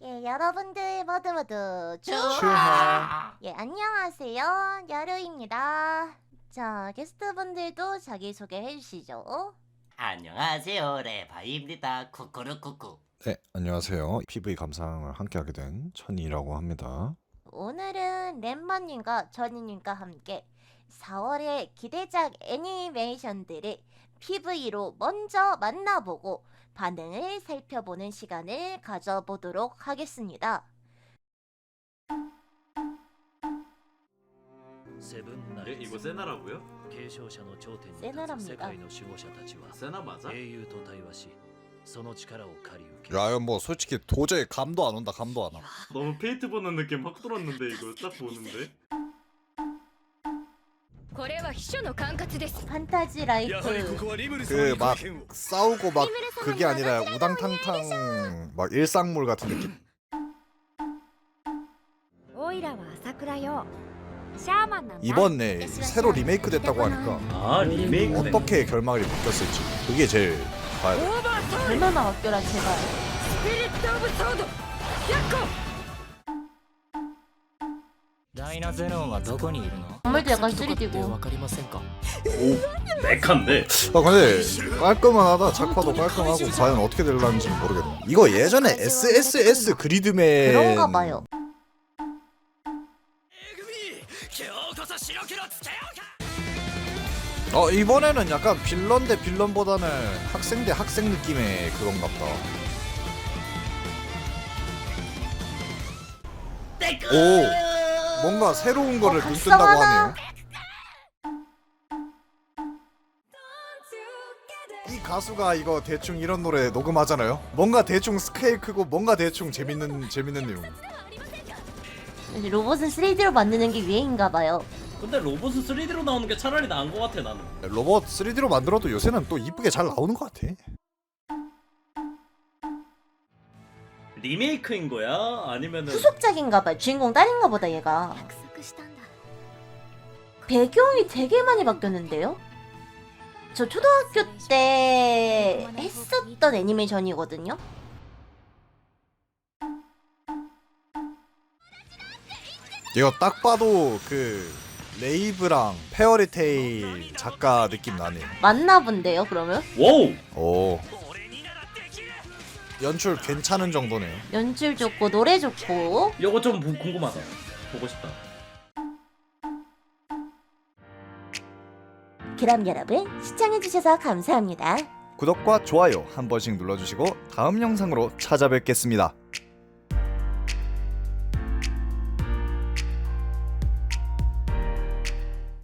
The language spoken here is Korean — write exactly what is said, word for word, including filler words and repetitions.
예, 여러분들 모두 모두 추하. 추하. 예, 안녕하세요. 야루입니다. 자, 게스트분들도 자기소개 해주시죠. 안녕하세요, 레바이입니다. 쿠쿠루쿠쿠. 네, 안녕하세요. 피브이 감상을 함께하게 된 천이라고 합니다. 오늘은 렘마님과 전이님과 함께 사월의 기대작 애니메이션들을 피브이로 먼저 만나보고 반응을 살펴보는 시간을 가져보도록 하겠습니다. 에? 이거 세나라고요? 세나랍니다. 세나 맞아? 야, 뭐 솔직히 도저히 감도 안 온다, 감도 안 와. 너무 페이트 보는 느낌 확 들었는데 이거 딱 보는데? 판타지 라이프 그 막 싸우고 막 그게 아니라 우당탕탕 막 일상물 같은 느낌. 이번에 새로 리메이크 됐다고 하니까 아 리메이크 어떻게 결말이 바뀌었을지 그게 제일 봐야 돼. 얼마나 바뀌어라 제발. 건물도 약간 쓰리디고. 맥한데? 아 근데 깔끔하다. 작화도 깔끔하고 과연 어떻게 될런지 모르겠네. 이거 예전에 에스에스에스 그리드맨 그런가 봐요. 어 이번에는 약간 빌런 대 빌런보다는 학생 대 학생 느낌의 그건가 보다. 오 뭔가 새로운 거를 어, 눈 뜬다고 각성하나? 하네요. 이 가수가 이거 대충 이런 노래 녹음하잖아요. 뭔가 대충 스케일 크고 뭔가 대충 재밌는 재밌는 내용. 로봇은 쓰리디로 만드는 게 유행인가 봐요. 근데 로봇은 쓰리디로 나오는 게 차라리 나은 것 같아 나는. 로봇 쓰리디로 만들어도 요새는 또 이쁘게 잘 나오는 것 같아. 리메이크인 거야? 아니면은 후속작인가 봐요. 주인공 딸인가 보다 얘가. 배경이 되게 많이 바뀌었는데요? 저 초등학교 때 했었던 애니메이션이거든요? 이거 딱 봐도 그 레이브랑 페어리테일 작가 느낌 나네요. 맞나 본데요 그러면? 와우! 오 연출 괜찮은 정도네요. 연출 좋고 노래 좋고. 이거 좀 부- 궁금하다. 보고 싶다. 그럼 여러분 시청해주셔서 감사합니다. 구독과 좋아요 한 번씩 눌러주시고 다음 영상으로 찾아뵙겠습니다.